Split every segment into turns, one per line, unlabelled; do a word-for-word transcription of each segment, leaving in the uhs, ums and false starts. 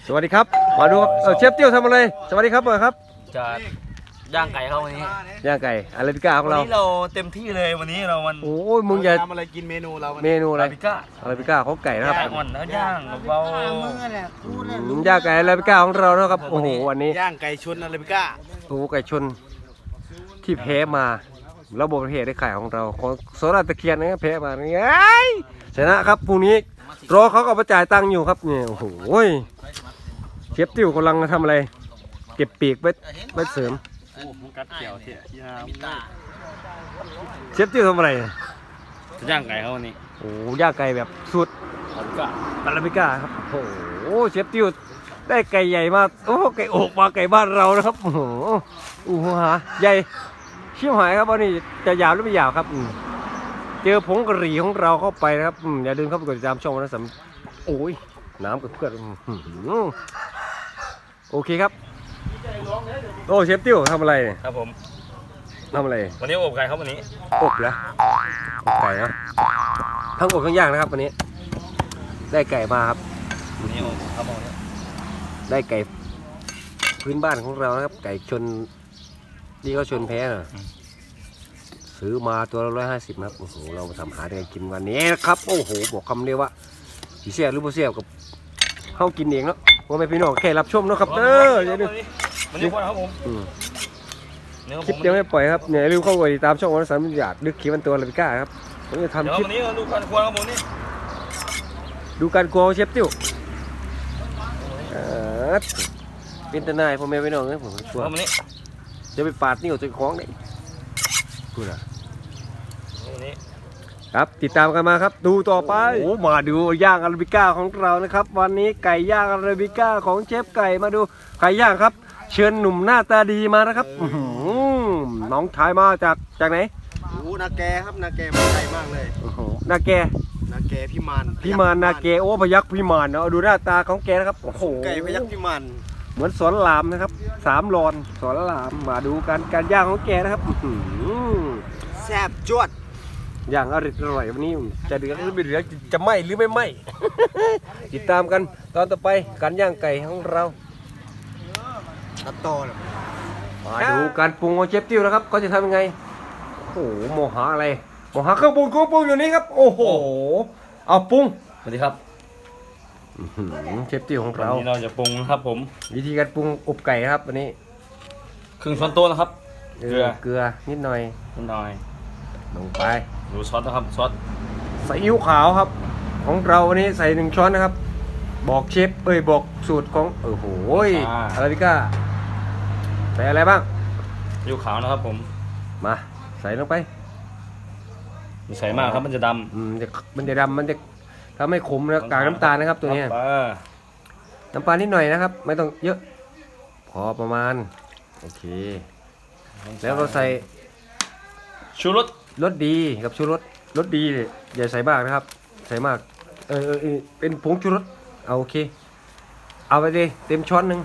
สวัสดีครับมาดูเออเชฟเตี้ยวทำอะไรสวัสดีครับเบอร์ครับ
จะย่างไก่เขาวันนี้
ย่างไก่อาราบิก้าของเรา
วันนี้เราเต็มที่เลยวันนี้เรามัน
โอ้ยมึงอย่า
ทำอะไรกินเมนูเรา
เมนูอะไร
อาราบิก้า
อาราบิก้าของไก่นะครับ
ย่างอ่อนแล้วย่างเบา
ย่างไก่อาราบิก้าของเรานะครับโอ้โหวันนี้
ย่างไก่ชนอาราบิก้า
โอ้ไก่ชนที่แพ้มาระบบประเทศได้ไข่ของเราของโซดาตะเคียนนะแพ้มาไงชนะครับพรุ่งนี้รอเขาก็มาจ่ายตังค์อยู่ครับเนี่ยโอ้โหเชฟติ้วกำลังทำอะไรเก็บปีกไว้ไว้เสริม
โอ้ผมกัดเขียวเถี่ยยาม
เชฟติ้วทำอะไร
จะย่างไก่เขาวันนี้
โอ้ย่างไก่แบบสุดอาราบิก้าครับโอ้โหเชฟติ้วได้ไก่ใหญ่มากโอ้ไก่อกมาไก่บ้านเรานะครับโอ้โหอู้หูหาใหญ่เชี่ยวหายครับวันนี้จะยาวหรือไม่ยาวครับเจอผงกะหรี่ของเราเข้าไปนะครับอย่าลืมเข้าไปกดติดตามช่องนะสำโอ้ยน้ำกับเพื่อนโอเคครับโอ้เชฟติ้วทำอะไรเนี่ย
ครับผม
ทำอะไร
วันนี้อบไก่เขาวันนี้
อบแล้วอบไก่นะทั้งอบทั้งย่างนะครับวันนี้ได้ไก่มาครับ
วันนี้อบครับผม
ได้ไก่พื้นบ้านของเรานะครับไก่ชนนี่ก็ชนแพ้น่ะซื้อมาตัวละร้อยห้าสิบครับโอ้โหเรามาทำหาได้กินวันนี้นะครับโอ้โหบอกคำเดียวว่าสีเสียหรือโบเสียกับเข้ากินเองเนาะว่าไม่พี่น้องแค่รับชมนะครับเด้ออย่าลืม
วันนี้ครับผม
คลิปยังไม่ปล่อยครับเนี่ยลืมเข้าไปติดตามช่องวันสันอยากดึกคลิปมันตัวอาราบิก้าครับผมจะทำคลิป
วันนี้ดูการครัวครับผมนี่
ดูการครัวเชฟติ้วเป็นทนายพ่อแม่พี่น้องนะผมชัวร์จะไปปาดนี่ออกจากคล้องได้พูดนะครับติดตามกันมาครับดูต่อไปโอ้มาดูย่างอาราบิก้าของเรานะครับวันนี้ไก่ย่างอาราบิก้าของเชฟไก่มาดูไก่ย่างครับเชิญหนุ่มหน้าตาดีมานะครับน้องชายมาจากจากไหน
โอ้นาแกครับนาแกมาไกลมากเลย
นาแก
นาแกพิมาน
พิมานนาแกโอ้พยักพิมานเนาะดูหน้าตาของแกนะครับโอ้โห
ไก่พยักพิมาน
เหมือนสอนรามนะครับสามรอนสอนรามมาดูการการย่างของแกนะครับ
แซ่บจวด
ย่างอร่อยอร่อยวันนี้จะเดือดหรือไม่เดือดจะไหมหรือไม่ไหมติดตามกันตอนต่อไปการย่างไก่ของเรา
ตัดต่อเลย
มาดูการปรุงของเชฟติ้วนะครับเขาจะทำยังไงโอ้โหโมหะอะไรโมหะเครื่องปรุงเครื่องปรุงอยู่นี่ครับโอ้โหเอาปรุง
สวัสดีครับ
เชฟติ้วของเรา
วันนี้เราจะปรุงนะครับผม
วิธีการปรุงอบไก่ครับวันนี้
ครึ่งช้อนโต๊ะนะครับ
เกลือเกลือนิดหน่อย
นิดหน่อย
ลงไป
ดูซอสนะครับซอส
ซีอิ๊วขาวครับของเราวันนี้ใส่หนึ่งช้อนนะครับบอกเชฟเอ้ยบอกสูตรของโอ้โหอาราบิก้าใส่อะไรบ้าง
ซีอิ๊วขาวนะครับผม
มาใส่ลงไป
ใส่มากครับมันจะดำ
อืมจะมันจะดำมันจะทำให้ขมแล้วกากน้ำตาลนะครับตัวนี้น้ำปลานิดหน่อยนะครับไม่ต้องเยอะพอประมาณโอเคแล้วเราใส่
ชูรส
รสดีกับชูรสรสดีอย่าใส่มากนะครับใส่มากเออเออเป็นผงชูรสเอาโอเคเอาไปดิเต็มช้อนหนึ่ง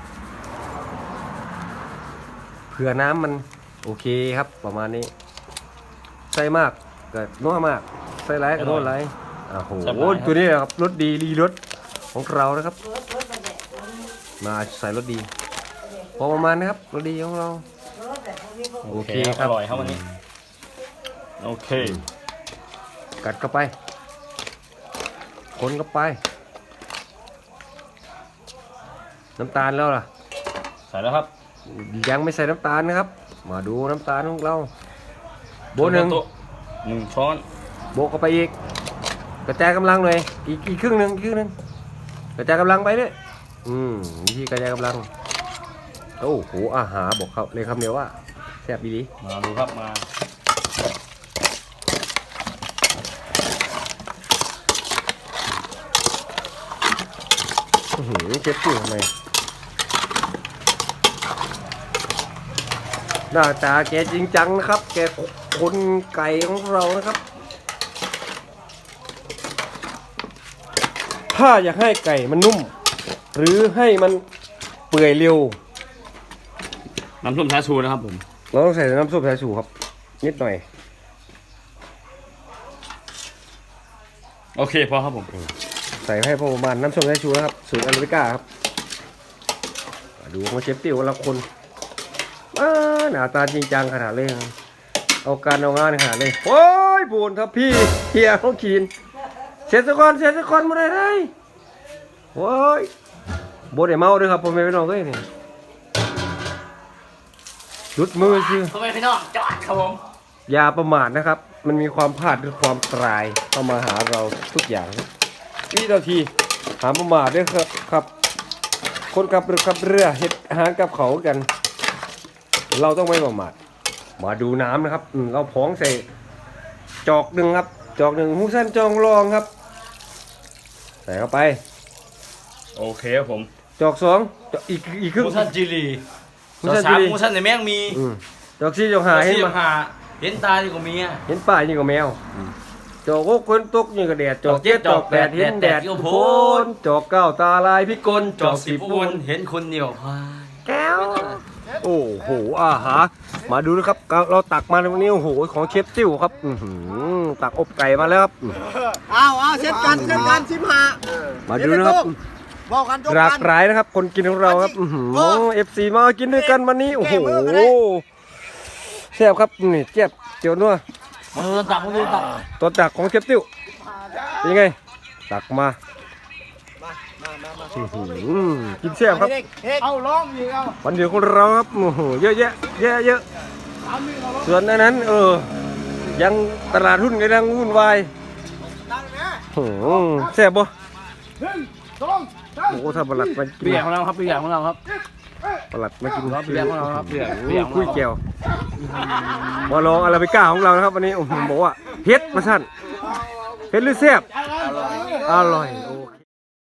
เผื่อน้ำมันโอเคครับประมาณนี้ใส่มากก็นัวมากใส่ไรก็นัวไรโอ้โหตัวนี้นะครับรสดีรีรสของเรานะครับมาใส่รสดีพอประมาณนะครับรสดีของเราโอเคครับ
อร่อยครับวันนี้โอเค
กัดเข้าไปคนเข้าไปน้ำตาลแล้วล่ะ
ใส่แล้วครับ
ยังไม่ใส่น้ำตาลนะครับมาดูน้ำตาลของเราโบหนึ่ง
หนึ่งช้อน
โบกเข้าไปอีกกระจายกำลังเลยอีกอีกครึ่งหนึ่งอีกครึ่งหนึ่งกระจายกำลังไปด้วยอืมวิธีกระจายกำลังโอ้โหอาหารบอกเขาเลยคำเดียวว่าแซ่บดี
มาดูครับมา
เชฟตี้ทำไมหน้าตาแกจริงจังนะครับแกคนไก่ของเรานะครับถ้าอยากให้ไก่มันนุ่มหรือให้มันเปื่อยเร็ว
น้ำส้มสายชูนะครับผม
เราต้องใส่น้ำส้มสายชูครับนิดหน่อย
โอเคพอครับผม
ใส่ให้พอประมาณน้ำส้มสายชูนะครับสูตรอาราบิก้าครับมาดูของเชฟติวละคนอ้าหน้าตาจริงจังขนาดเลยเอาการเอางานขนาดเลยโอ้ยบุญครับพี่เฮียเขาขีนเสียสกอนเสียสกอนมาได้ไรโอ้ยบดไอ้เมาด้วยครับผมไม่ไปนอนเลยนี่หลุดมือสิ
ทำไมพี่น้องจอดครับผม
อย่าประมาทนะครับ มันมีความพลาดหรือความตรายเข้ามาหาเราทุกอย่างวินาทีหาประมาทด้วยครับครับ คนขับเรือขับเรือเห็ดอาหารกับเขากัน เราต้องไม่ประมาทมาดูน้ำนะครับอืมเราพองใส่จอกหนึ่งครับ จอกหนึ่งหูสั้นจองรองครับใส่เข้าไป
โอเคครับผม
จอกสองจอกอีกอีกครึ่ง
มูสันจิรี
มู
มู
สั
สั
น
น
จิรี
มูสันในแม่งมี
อืมจอกสี่จอกหาเห็น
สี่
มา
หาเห็นตาอยู่กับเมีย
เห็นป่ายิ่งกว่าแมวจอกโอ้คนตกยิ่งกับแดดจอกเจ็ดจอกแปดเห็นแดดโพนจอกเก้าตาลายพิกล
จอกสิบวนเห็นคนเหนียวพาย
แก้วโอ้โหอาหารมาดูนะครับเราตักมาในวันนี้โอ้โหของเชฟติ้วครับอื้อหือตักอบไก่มาแล้วครับ
เอาเอาเช่นกันเช่นกันสิบห้า
มาดูนะครับ
บอกกันจบ
หลาก
กัน
หลายนะครับ คนกินของเราครับอื้อหือเอฟซีมากินด้วยกันวันนี้โอ้โหแซ่บครับนี่เจ็บเจียวนัว
มือตักมือตัก
ตัวตักของเชฟติ้วเป็นยังไงตักมาอื้อหือกินแซ่บครับ
เอาล้อมอีกเอา
วันเดียวของเราครับโอ้โหเยอะแยะเยอะเยอะส่วนอันนั้นเออยังตลาดหุ้นกำลังวุ่นวายโอ้โหแซ่บบ่โอ้โหถ้าประหลัดมากิน
เปียกของเราครับเปียกของเราครับ
ประหลัดมากิน
ครับเปียกของเราครับเปียก
โอ้โห
เปียกของเรา
คุยแก้วมาลองอาราบิก้าของเรานะครับวันนี้โอ้โหบอกว่าเผ็ดมาสั่นเผ็ดหรือแซ่บอร่อยโอเค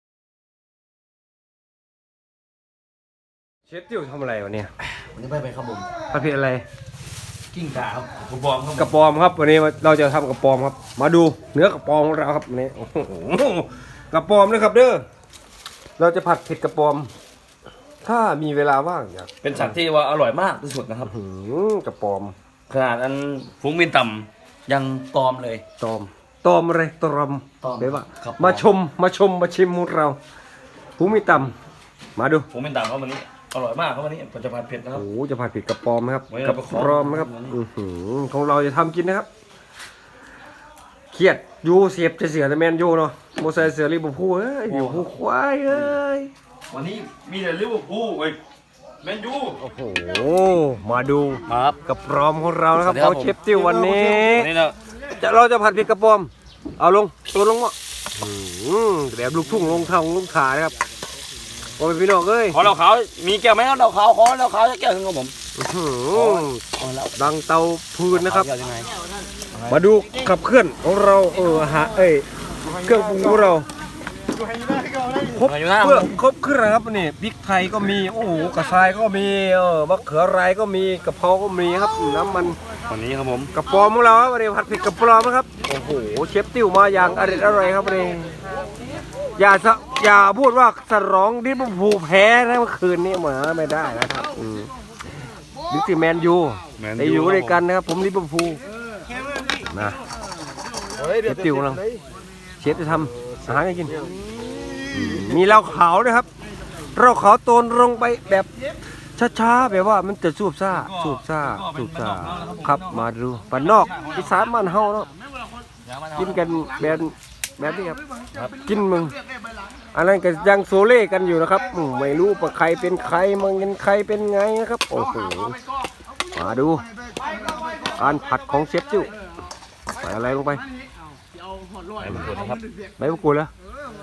เชฟติ้วทำอะไรวะเนี่ย
วันนี้ไปไปครับผม
ประเภทอะไร
กิ้งก่าครับผมบอมครับ
กระปอมครับวันนี้เราจะทำกระปอมครับ มาดูเนื้อกระปอมของเราครับวันนี้โอ้โหกระปอมนะครับเด้อเราจะผัดเผ็ดกระปอม ถ้ามีเวลาว่างอยาก
เป็นสัตว์ที่ว่าอร่อยมากที่สุดนะครับ
หือกระปอม
ขนาดอันฟุ้งบินต่ำยังตอมเลย
ตอมตอมอะไรตอม
ตอม
เดี๋ยวว่า
ครับ
มาชมมาชมมาชิมของเราผู้มีตำมาดู
ฟุ้งบินต่ำครับวันนี้อร่อยมากครับวันนี้ผมจะผัดเผ็ดนะครับ
โอ้โหจะผัดเผ็ดกระปอมนะครับ
ไว้
ก
เรา
ระ
ไปขอ
ปอมนะครับ
วันนี้
อื้อหือของเราจะทำกินนะครับเครียดยูเสียบจะเสือแต่แมนยูเนาะโมไซเสือรีบพูเอ้ยอยู่ผู้ควายเอ้ย
วันนี้มีแต่ลิเวอร์พูลเว้ยแมนยู
โอ้โห มาดู
ครับ
กระปอมของเรานะครับ
สวัสดีครั
เขา
บผม
เชฟติ้ววันนี้
วันนี้เรา
จะเราจะผัดพริกกระปอม เอาลงตัวลงวะอืมแบบลูกทุ่งลงทางลงขานะครับโอ้ยพี่น้องเอ้ย
ขอเราขาวมีแก้วไหมครับเราขาวขอเราขาวจะแก้วหนึงครับผม
อื้อหือ
ขอแล้ว
ดังเตาพืนนะครับ
แก้วยังไง
มาดูขับเคลื่อนของเราเออฮะเอ้ยเครื่องปรุงของเราครบ
อยู่หน้า
เพื่อครบเครื่องนะครับนี่พริกไทยก็มีโอ้โหกระชายก็มีเออมะเขือไรก็มีกระเพราก็มีครับน้ำมัน
วันนี้ครับผม
กระปอมของเราครับวันนี้ผัดเผ็ดกระปอมนะครับโอ้โหเชฟติ้วมาอย่างอร่อยอร่อยครับวันนี้อย่าสะอย่าพูดว่าสรองดิบผูแพ้นะเมื่อคืนนี้เหมือนไม่ได้นะครับอืมดิสแมนยูได้อยู่ด้วยกันนะครับผมลิเวอร์พูลนะเชฟติ้วกำลังเชฟจะทำอาหารให้กินอืมมีเหล้าขาวนะครับเหล้าขาวโตนลงไปแบบช้าๆแบบว่ามันจะสูบซ่าสูบซ่าสูบซ่าครับมาดูปันนอกอีสานมันเฮาเนาะกินกันแบบแบบนี้ครับกินมึงอันนั้นก็ยังโซเล่กันอยู่นะครับอืมไม่รู้ว่าใครเป็นใครมึงเป็นใครเป็นไงนะครับโอ้โหมาดูการผัดของเชฟจิ้วใส่อะไรลงไป
ไปหมดนะครับ
ใบมะกรูดแล้ว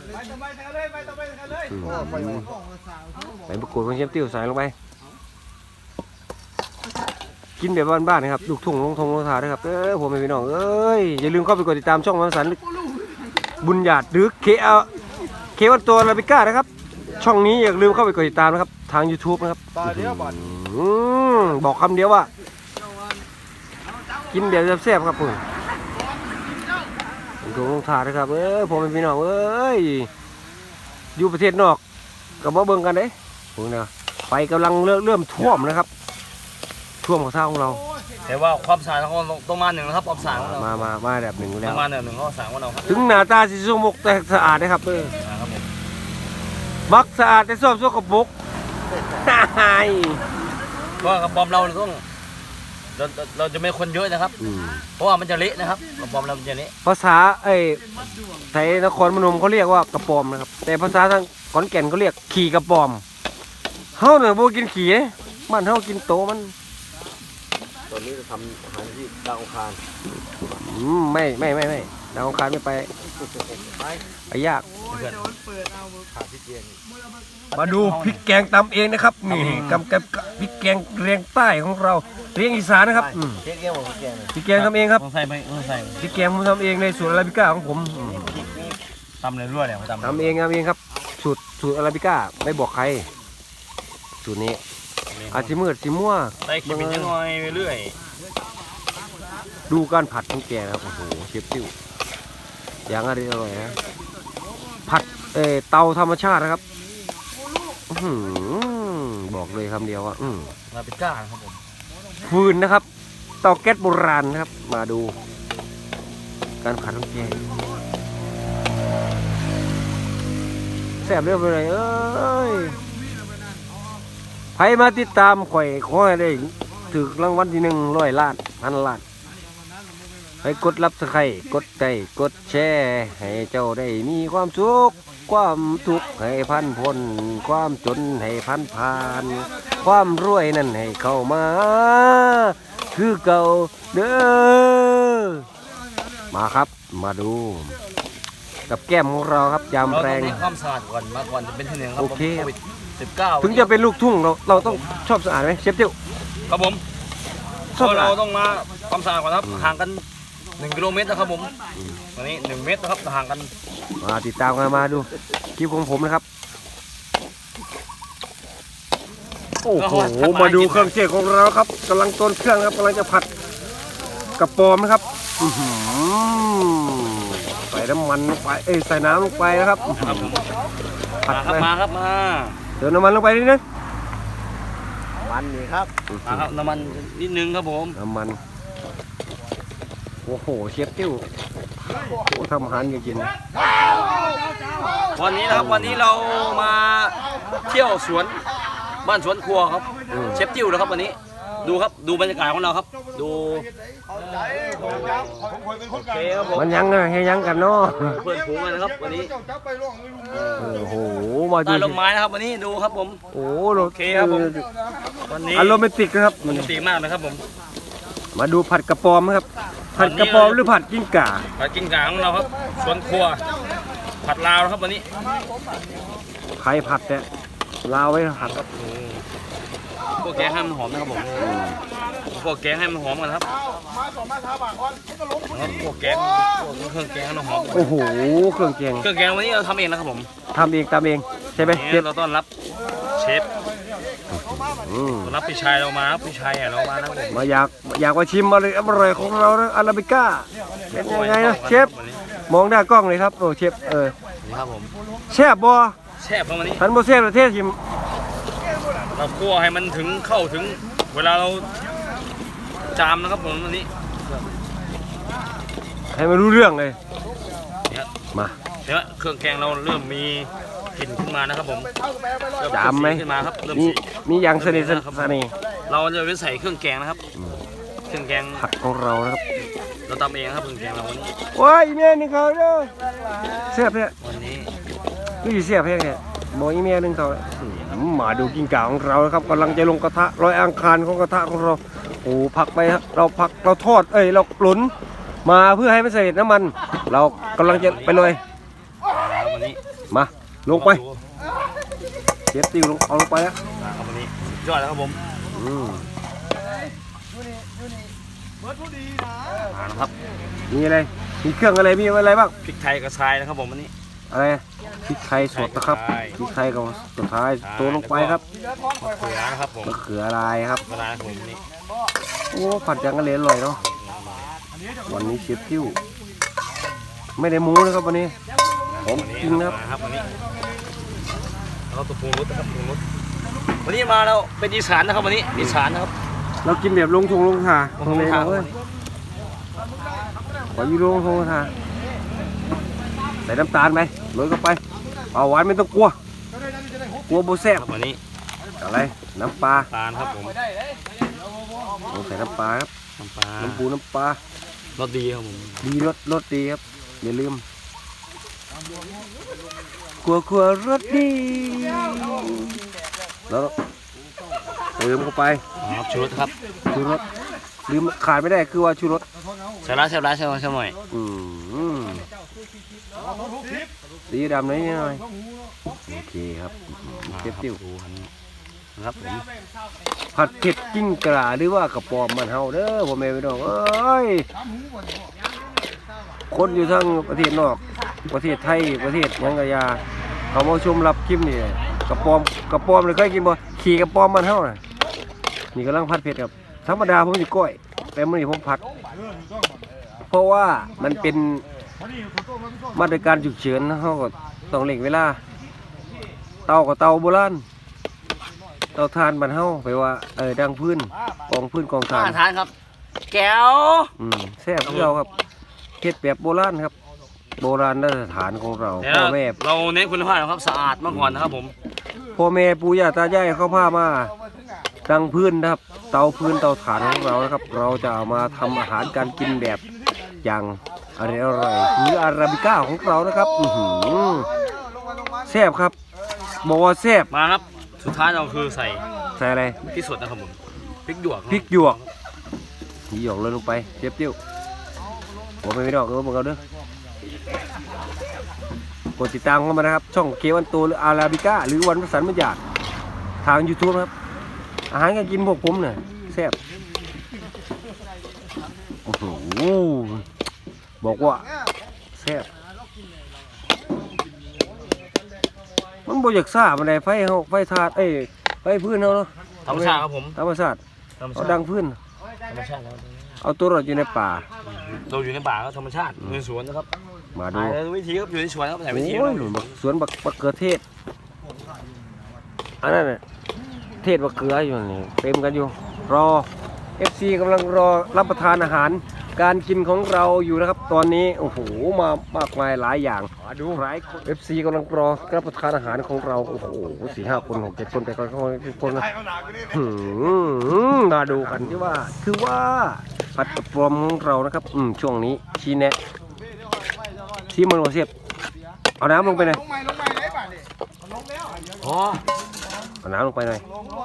อืมใบมะกรูดของเชฟจิ้วใส่ลงไปกินแบบบ้านๆนะครับลูกทุ่งลงทงลงทาด้วยครับเออผมเป็นพี่น้องเอ้ยอย่าลืมเข้าไปกดติดตามช่องวันสันบุญญาติหรือเคเอเควันตัวลาบิก้านะครับช่องนี้อย่าลืมเข้าไปกดติดตามนะครับทาง YouTube นะครับอืมบอกคำเดียวว่ากินแบบแซ่บๆครับผมลงทงลงทาด้วยครับเออผมเป็นพี่น้องเอ้ยอยู่ประเทศนอกกับบ่เบิ่งกันเด้ผมเนี่ยไฟกำลังเริ่มเริ่มท่วมนะครับท่วมของท่าของเรา
แต่ว่าความสะอาดของเราต้องมาหนึ่งนะครับความสะอาดของเรา
มามามาแบบหนึ่งแล้
ต้อ
ว
งมาหนึ่งหนึ่งข้อสามของเราครับ
ถึงหน้าตาสีสมกแต่สะอาดนะครับเออ
ครับผม
มักสะอาดแต่ชอบสกปรก
เพราะว่ากระป๋อมเราต้องเราเราจะไม่คนเยอะนะครับ
อืม
เพราะว่ามันจะเละนะครับกระป๋อมเรามันจะเละ
ภาษาเอ้ยไทยนครพนมเขาเรียกว่ากระปอมนะครับ แต่ภาษาทางขอนแก่นเขาเรียกขี่กระปอมเฮาเนี่ยบ่กินขี่เด้บ้านเฮากินโตมัน
ตอนนี้จะทำอาหารที่ดาวอังคาร
อืมไม่ไม่ไม่ไม่ดาวอังคารไม่ไปไปยาก
เพื่อน
ขาดพี่เจียง
มาดูพริกแกงตำเองนะครับนี่กำกับพริกแกงเรียงใต้ของเราเรียงอีสานนะครับอืม
เจ๊เกี้ยวของพี่เจียง
พริกแกงทำเองครับ
ต้องใส่ไหมต้องใส่
พริกแกงผมทำเองในสูตรอาราบิก้าของผมอืม
ตำเลยรั่วเลยตำ
ทำเองทำเองครับสูตรสูตรอาราบิก้าไม่บอกใครสูตรนี้อาจจะมืดสิมั่ว
ใส่ขิมินจะน้อยไปเรื่อย
ดูการผัดของแกนะครับโอ้โหเชฟซิ่วอย่างอร่อยนะผัดเออเตาธรรมชาตินะครับอื้อหือบอกเลยคำเดียวว่าอืม
ลาปิก้านะครับผม
ฟืนนะครับเตาแก๊สโบราณนะครับ มาดู การผัดของแกแซ่บเรียบเลยเอ้ยใครมาติดตามข่อยขอให้ได้ถึกรางวัลที่หนึ่งร้อยล้านพันล้านให้กดรับสไครกดใจกดแชร์ให้เจ้าได้มีความสุขความทุกข์ให้พันพ้นความจนให้พันผ่าน ความรวยนั่นให้เข้ามา คือเก่าเด้อมาครับมาดู กับแก้มของเราครับยาม
เรา
แร
ต้อง
ง
เน้นความสะอาดก่อนมาก่อนจะเป็นที่หนึ่งครับ
โอเค
โควิดสิบเก้า
ถึงจะเป็นลูกทุ่งเราเราต้องชอบสะอาดไหมเชฟเตี้ยว
ครับผม
ชอบสะ
เรา
อาด
ต้องมาความสะอาดก่อนครับห่างกันหนึ่งกิโลเมตรนะครับผมตอนนี้หนึ่งเมตรนะครับห่างกัน
มาติดตามกันมาดูคลิปของผมนะครับโอ้โหมาดูเครื่องเทศของเราครับกำลังต้นเครื่องครับกำลังจะผัดกระปอมนะครับอื้อหือใส่น้ำมันลงไปเอ้ยใส่น้ำลงไปนะครับ
ครับผม
ผัด
มาครับ
ไป
มาครับมา
เติมน้ำมันลงไปนิดนึง
มันนี่ครับ
มาครับน้ำมันนิดนึงครับผม
น้ำมันโอ้โหเชฟติ้วโอ้ทำอาหารกิน
วันนี้นะครับวันนี้เรามาเที่ยวสวนบ้านสวนครัวครับเชฟจิ้วนะครับวันนี้ดูครับดูบรรยากาศของเราครับ ดูโอเคครับผม
มันยังไงให้ยังกันเนาะ
เพื่อนฝูงกันนะครับวันนี้
โอ้โหมาดู
ใต้ร่มไม้นะครับวันนี้ดูครับผม
โอ้โห
โอเคครับผม วันนี้
อารมณ์ติกนะครับ
ปกติมากนะครับผม
มาดูผัดกระปอมนะครับ ผัดกระปอมหรือผัดกิ้งก่า
ผัดกิ้งก่าของเราครับสวนครัว ผัดลาวนะครับวันนี้
ใครผัดเนี่ยลาวไว้ผัดครับ
พวกแกงให้มันหอมนะครับผมพวกแกงให้มันหอมกันครับครับพวกแกงพวกเครื่องแกงให้มันหอม
โอ้โหเครื่องแกง
เครื่องแกงวันนี้เราทำเองนะครับผม
ทำเองตามเองใช่ไหมเช
นี่
ฟ
เราต้อนรับเชฟ
อืม
ต้อนรับพี่ชายเรามาครับพี่ชายเรามานะครับผม
มาอยากอยากมาชิมอะไรอร่อยของเรานะอาราบิก้าเป็นยังไงนะเชฟมองหน้ากล้องเลยครับโอ้เชฟเออ
นี่ครับผม
แซ่บบ่
แช่บครับวันนี้
ทันบ่แซ่บประเทศชิม
เราคั่วให้มันถึงเข้าถึงเวลาเราจามนะครับผมวันนี้
ให้มันรู้เรื่องเลย
เนี่ย
มา
เดี๋ยวเครื่องแกงเราเริ่มมีกลิ่นขึ้นมานะครับผมเริ่
จามไหม
ขึ้นมาครับเริ่ม
มี
สี
มีอย่างสนิทสนิท
เราจะไปใส่เครื่องแกงนะครับ เครื่องแกง
ผัดของเรานะครับ
เราตำเองนะครับเครื่องแกงเราวันนี้
โอ้ยอีเมียนี่เขาเด้อแซ่บเนี่ย
วันนี้
นี่แซ่บแค่เนี่ยบอกอีเมียหนึงเขาอืมมาดูกิ้งก่าของเรานะครับกำลังจะลงกระทะลอยอังคารของกระทะของเราโอ้ผักไปครับเราผักเราทอดเอ้ยเราหลุนมาเพื่อให้มันเสด็จน้ำมัน เรากำลังจะไปเลย
ครับวันนี้
มาลงไปเชฟติวลงเอาลงไปแล้ว
ครับวันนี้สุดยอดแล้วครับผม
อืม
มาแล้วครับ
มีอะไรมีเครื่องอะไรมีอะไรบ้าง
พริกไทยกระชายนะครับผมวันนี้
อะไรพริกไทยสดนะครับพริกไทยกับสุดท้ายตัวลงไปครับ
มะเขือนะครับผม
มะเขือลายครับ
เวลาผมวันนี้
โอ้ผัดจังกันเลยอร่อยเนาะวันนี้เชฟคิวไม่ได้หมูนะครับวันนี้ผมจริงนะครับ
มาครับวันนี้เราตัวปรุงรสนะครับปรุงรสวันนี้มาเราเป็นอีสานนะครับวันนี้อีสานนะครับ
เรากินแบบลงทงลงทา
ลงทงลงทา
เว้ยขออยูลงทงลงทาใส่น้ำตาลไหมโรยเข้าไปเอาหวานไม่ต้องกลัวกลัวโบแซ่บ
ครับวันนี้
อะไรน้ำปลา
ตาลครับผม
ลงใส่น้ำปลาครับ
น้ำปลา
น้ำปูน้ำปลาร
สดีครับผม
ดีรสรสดีครับอย่าลืมครัวครัวรสดีแล้วเติมเข้าไป
ครับชูรสครับ
ชูรสลืมขาดไม่ได้คือว่าชูรส
ใส่ร้ายใส่ร้ายใส่ร้ายใส่หน่อย
อืมสีดำหน่อยหน่อยโอเคครับเจ็บติ้ว
ดูครับผม
ผัดเผ็ดกิ้งกระหรือว่ากระปอมมันเฮาเด้อพ่อแม่พี่น้องเอ้ยคนอยู่ทั้งประเทศนอกประเทศไทยประเทศยังกะยาเขามาชมรับคลิปนี่กระปอมกระปอมเลยเคยกินบ่ขี่กระปอมมันเฮาน่ะนี่กำลังผัดเผ็ดครับธรรมดาผมสิก้อยแต่มื้อนี้ผมผัด เพราะว่ามันเป็นมาตรการฉุกเฉินเฮาก็ต้องเร่งเวลาเตาก็เตาโบราณเตาถ่านบ้านเฮาไปว่าเออดังพื้นกองพื้นกองถ่าน
อาหารครับ แก้ว
อืมแซ่บคือเราครับเฮ็ดแบบโบราณครับ โบราณมาตรฐานของเรา
เดี๋ยว
พ่อแม่
เราเน้นคุณภาพนะครับสะอาดมาก่อนนะครับผม
พ่อแม่ปู่ย่าตายายเขาพามาดังพื้นนะครับ เตาพื้นเตาถ่านของเรานะครับ เราจะเอามาทำอาหารการกินแบบอย่างอร่อยอร่อยคืออาราบิก้าของเรานะครับอื้อหือแซ่บครับบอกว่าแซ่บ
มาครับสุดท้ายเราคือใส่
ใส่อะไร
พริกสดนะครับผมพริกหยวก
พริกหยวกพริกหยวกเลยลงไปเจ็บติ้วผมไม่ได้ออกเออบอกเอาเด้อกดติดตามเข้ามานะครับ ช่องเควันโตหรืออาราบิก้าหรือวันประสันมัญญาทาง YouTube ครับ อาหารการกินพวกผมเนี่ยแซ่บโอ้โหบอกว่าแซ่บมันบ่อยากซ่ามันได้ไฟเฮาไฟถาดเอ้ยไฟพื้นเฮาเนาะ
ธรรมชาติครับผม
ธรรมชาติ
ธรรม
เอา
ชาติ
ดังพื้น
ธรรมชาติครับ
เอาตัวรอดอยู่ในป่า
เราอยู่ในป่าก็ธรรมชาติในสวนนะครับ
มาดู
ถ่ายวิธีครับอยู่ในสวนครับถ่ายวิธี
โอ้ย
เรา
บักสวนบักบักเขือเทศอันนั้นน่ะเทศบักเขืออยู่นี่เต็มกันอยู่ รอ เอฟ ซี กำลังรอรับประทานอาหาร การกินของเราอยู่นะครับ ตอนนี้โอ้โหมามากมายหลายอย่างดูหลายคน เอฟ ซี กำลังรอรับประทานอาหารของเราโอ้โหสี่ห้าคนหกเจ็ดคนแต่ก็คนนะหืมมาดูกันที่ว่าคือว่าผัดกระป๋อมของเรานะครับอืมช่วงนี้ชี้แนะชี้มันโอเสียบเอาน้ำลงไปหน่อย
อ๋อ
เอาน้ำลงไปหน่อย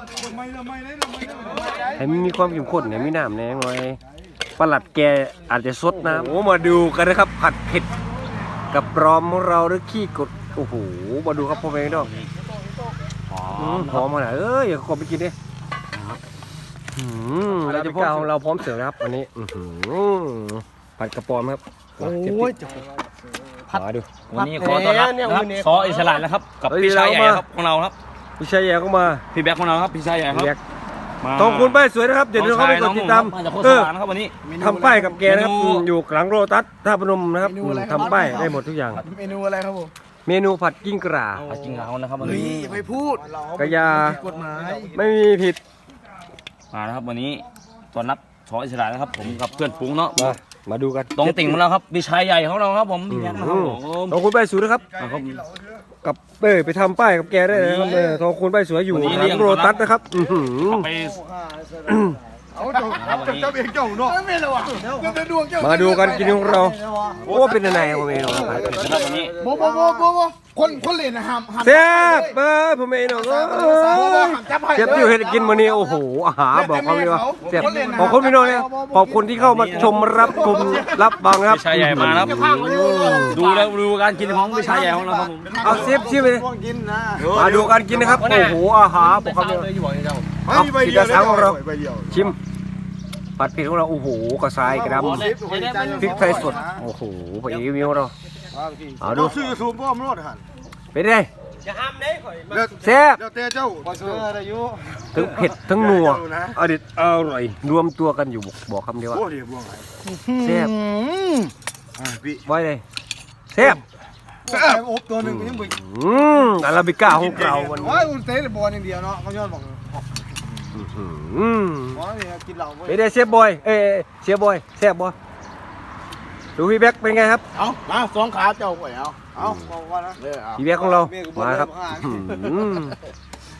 ให้มันมีความเข้มข้นเนี่ยมีน้ำแน่หน่อยปลัดแกอาจจะซดน้ำโอ้มาดูกันนะครับ ผัดเผ็ดกับปลอมของเราหรือขี้กดโอ้โหมาดูครับพ่อแม่พี่น้อง
หอ
อื
ม
มหอมมาหน่อยเอ้ยอย่าขอไปกินดิอืมเราจะพาของเราพร้อมเสิร์ฟนะครับวันนี้อื้อหือผัดกระปอมครับโอ้ยผัดดู
วันนี้ขอต้อนรับนะครับซออิสระนะครับกับพี่ชายใหญ่ครับของเราครับ
พี่ชายแย่ก็มา
พี่แบ็คของเราครับพี่ชายใหญ่ครับ
แยกทองคุณป้ายสวยนะครับเดี๋ยวเราเข้าไปกดติดตาม
มาจากโค
เอ
ส
อ
านนะครับวันนี้
ทำป้ายกับแกนะครับ
เมนู
อืมอยู่หลังโรตัสท่าพนมนะครับอืมทำป้ายได้หมดทุกอย่าง
เมนูอะไรครับผม
เมนูผัดกิ้งก่า
ผัดกิ้งเหานะครับวัน
เฮ้ย
นี้
อย่าไปพูด
กระยา
กฎหมาย
ไม่มีผิด
มานะครับวันนี้ต้อนรับซออิสระนะครับผมกับเพื่อนฝูงเนาะ
มามาดูกัน
ตรงติ่งของเราครับพี่ชายใหญ่ของเราครับผมพี่แบ็คนะครับผม
ทองคุณป้ายสวยนะครับ
อ่ะครับ
กับเออไปทำป้ายกับแกได้เลยนะครับเออทองคุณป้ายสวยอยู่
วันนี้
หลังโรตัสนะครับอื้อหือ
ไป
เอาเจ้าเจ้าเองเจ้าเนาะไม่เลยว่ะเจ้าดวงเจ้า
มาดูกันกินของเราโอ้เป็นยังไงครับผมเอง
นะครับวันนี้
โบโบโบโบโบคนคนเล่นนะห้ามห้าม
แซ่บเออผมเองเนาะเจ็บอยู่เห็นกินมื้อนี้โอ้โหอาหารบอกเขาเลยว่าแซ่บขอบคุณพี่น้องเนี่ยขอบคุณที่เข้ามาชมรับชมรับฟังนะครับ
พี่ชายใหญ่มานะครับดูแล้วดูการกินของพี่ชายใหญ่ของเราครับผม
เอาเซฟชิมไปเลย
กินนะ
มาดูกันกินนะครับโอ้โหอาหารบอกเขาเลยเอาสีกระสังของเราชิมผัดเผ็ดของเราโอ้โหกระชายกระดำพริกไทยสดโอ้โหพระเอกวิวเราเอาดู
ซื้อสูบพ่อมรถหัน
เป็นไงแซ่บ
เดี๋ยวเตะเจ้าเสืออายุ
ทั้งเผ็ดทั้งนัวอดิตอร่อยรวมตัวกันอยู่บอกคำเดียวว่า
โอ้เดี๋ยวบ่วงไหน
แซ่บ
พี่
ไว้เลยแซ่บ
แซ่บอบตัวหนึ่งก็ยังบ่
อืมอาราบิก้าของเราวันนี้
ว้าอุ่นเตะบอลอย่างเดียวเนาะเขาย้อนบอก
อืม
ว่าเนี่ยกินเหล้า
ไม่ได้เชฟบอยเอ้ยเชฟบอยแซ่บบอยดูพี่แบ็คเป็นไงครับ
เอามาสองขาเจ้าไปเอาเอาบอกว่านะ
พี่แบ็คของเรามาครับอืม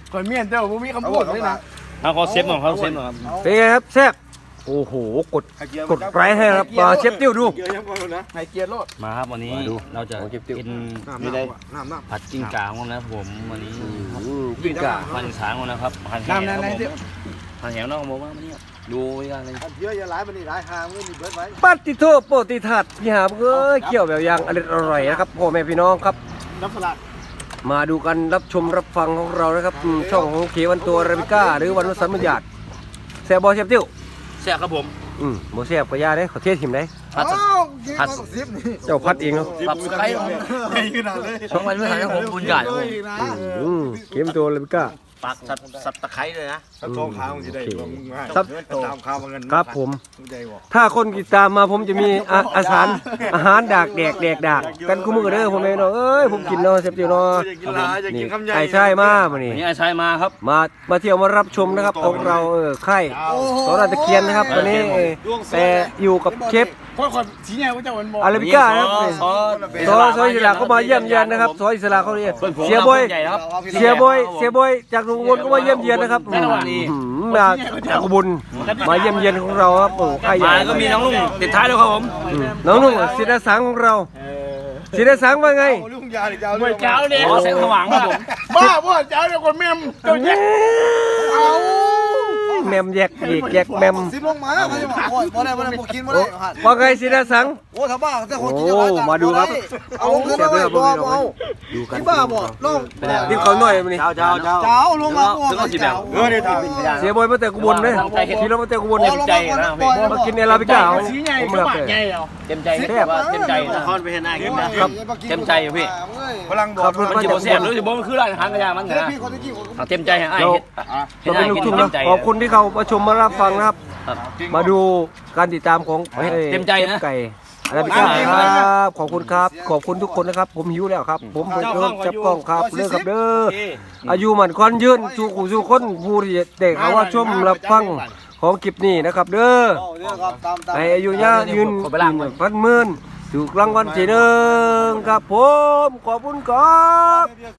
ก่อนเมียนเจ้าผมมีคำพูดเลยนะ
เอาเขาเซฟหน่อยเขาเซฟหน่อยครับ
เป็นไงครับแซ่บโอ้โหกดกดไลค์ให้ครับมาเชฟติ้วดู
เกียร์ยังก่อนนะไฮเกียร์รถ
มาครับวันนี้เราจะกิน
ไม่ได้น้ำน้ำ
ผัดจิ้งก่าของเรานะครับผมวันนี้
กิ้งก่า
พันสางของเรานะครับพันแห
น้ำ
ว
นั่น
ครับ
นั่น
ผม
เดี๋ยว
พันแหวน้องบอกว่าวันนี้ดูอีกอย่างหนึง
เยอะอย่าหลายมันนี่หลายหางไม่มีเบิร์ดไว้
ปัตติโทโปติทัดพี่หามเอ้ยเกี่ยวแบบอย่างอร่อยอร่อยนะครับพ่อแม่พี่น้องครับ
น้ำสลัด
มาดูกันรับชมรับฟังของเรานะครับอืมช่องของเควันตัวอาราบิก้าหรือวันวสันต์บัญญัติแซ่บบอเชฟติ้ว
แซ่บครับผม
อืมโมแซ่บก็ยาได้ขอเทศหิมได้
ผัด
ผัดซิปนี่
เจ้าพัดเองเนาะ
ปรับสไครต์
ใหญ่ขนาดเลย
ช่องวันเมื่อไหร่ผมบุญใหญ่ครับผม
อืมเควันตัวอาราบิก้า
ปักสับสับตะไคร้เลยนะ
สับทองขาวมันจะได้ลงง่ายตามขาวมันกัน
ครับผม
ใจบอก
ถ้าคนติดตามมาผมจะมีอาอาหารอาหารดากแดกแดกดากกันคู่มือเด้อผมเองเนาะเอ้ยผมกินเนาะเชฟติ้วเนาะ
จะกินลาจะกิ
นี่
นคำใหญ่
ไอ้ใช่มามานี่
วันนี้ไอ้ชายมาครับ
มามาเที่ยวมารับชมนะครับของเราเออค่ายสอนตะเคียนนะครับวันนี้เออแต่อยู่กับเชฟ
เพราะคนสีแง่ก็จะวันบอก
อาราบิก้านะครับ
ซอ
ซอซอยอิสระเขามาเยี่ยมเยียนนะครับซอยอิสระเขาเนี่ย
เพื่อนผม
เสียบอย
ใหญ่ครับ
เสียบอยเสียบอยจากลุงวนก็มาเยี่ยมเยียนนะครับ
แน่นอนดี
อืมมาจากอุบุญมาเยี่ยมเยียนของเราครับโอ้ค่ายใหญ่
มาก็มีน้องลุงติดท้ายแล้วครับผม
อืมน้องนุ่งศิลสังของเราศิลสังว่าไง
ลุงยาหรือเจ้า
เมื่อเช้าเนี่ยแสงสว่างครับผม
บ้าบ้าเจ้าเดี๋ยวคนเมียมเจ้าแย่เอา
แมมแยกอีกแยกแมม
ซิปลงมาแล้วเขาจะบอกโอ้ยบ่ได้บ่ได้บ่กินบ่ได้
ว่าไงศิลสัง
โอ้ถ้าบ้าแต่คนกิน
โอ้มาดูครับ
เอาลงขึ้นมาบ่บ่เอา
ดูกัน
ที่บ้าบ่ลง
รีบเขาหน่อยมันนี่
เจ้าเจ้าเจ้า
เจ้าลงมา
ถึงเอาสิแบบ
เออเดี๋ยวท
เสียบอยมาแต่กุบลเลยทีเรามาแต่กุบล
ำ
เนี่ย
ใจนะพี่
มากินอาราบิก้าเอาผมเลือกเลย
เต็มใจว่าเต็มใจนะคอนไปเห็นหน้ากินนะครับเต็มใจอยู่พี่
พลังบอก
ขับรถ
มัน
มา
จะ
จาก
บ่แซ่บหรือสิบ่มันคือร้านอาหารกระยามันนะ
พี่คนที่กี่คน
เต็มใจให้อ้าย
เรา
เฮ็ด
เราเป็นลูกทุ่งนะขอบคุณที่เขามาชมมารับฟังนะครับ มาดูการติดตามของ
เต็มใจนะ
ไก่อาราบิก้าครับขอบคุณครับขอบคุณทุกคนนะครับ ผมหิวแล้วครับ ผมไปเริ่มจับกล้องครับเลิกครับเด้ออายุหมันควันยืนสู่ขู่สู่คนผู้ที่เด็กเขาว่าชมรับฟังของคลิปนี้นะครับ เด้อให้อายุยายืนพันหมื่นถูกรางวัลที่หนึ่งครับผมขอบคุณครับ